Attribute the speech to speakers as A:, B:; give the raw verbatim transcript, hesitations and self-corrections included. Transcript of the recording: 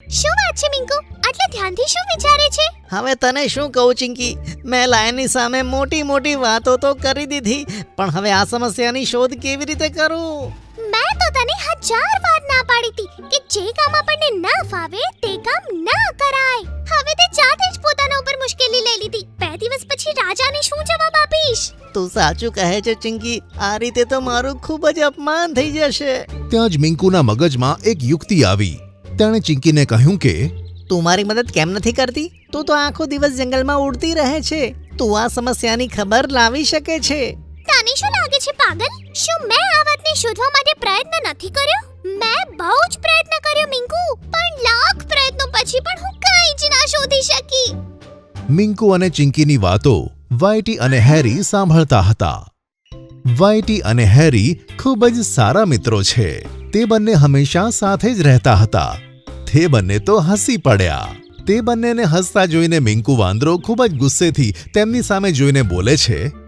A: શું વાત છે મિંકુ? આટલા ધ્યાનથી શું વિચારે છે?
B: હવે તને શું કહું ચિંકી, મેં લાયનની સામે મોટી મોટી વાતો તો કરી દીધી, પણ હવે આ સમસ્યાની શોધ કેવી રીતે કરું?
A: મેં તો તને હજાર વાર ના પાડી હતી કે જે કામ આપણને ના ફાવે તે કામ ના કરાય. હવે તે જાતે જ પોતાના ઉપર મુશ્કેલી લઈ લીધી. બે દિવસ પછી રાજાને શું જવાબ આપીશ?
B: તું સાચું કહે છે ચિંકી, આ રીતે તો મારું ખૂબ જ અપમાન થઈ જશે.
C: ત્યાં જ મિંકુના મગજમાં એક યુક્તિ આવી. તેણે ચિંકીને કહ્યું કે
B: તું મારી મદદ કેમ નથી કરતી? તું તો આખો દિવસ જંગલમાં ઉડતી રહે છે. તું આ સમસ્યાની ખબર લાવી શકે છે.
A: તને શું લાગે છે પાગલ? શું મેં આ વાતને શોધવા માટે પ્રયત્ન નથી કર્યો? મેં બહુ જ પ્રયત્ન કર્યો મિંકુ, પણ લાખ પ્રયત્નો પછી પણ હું કંઈ જ ના શોધી શકી.
C: મિંકુ અને ચિંકીની વાતો વાયટી અને હેરી સાંભળતા હતા. વાયટી અને હેરી ખૂબ જ સારા મિત્રો છે. તે બંને હંમેશા સાથે જ રહેતા હતા. તે બંને તો હસી પડ્યા. તે બંનેને હસતા જોઈને મિંકુ વાંદરો ખૂબ જ ગુસ્સેથી તેમની સામે જોઈને બોલે છે,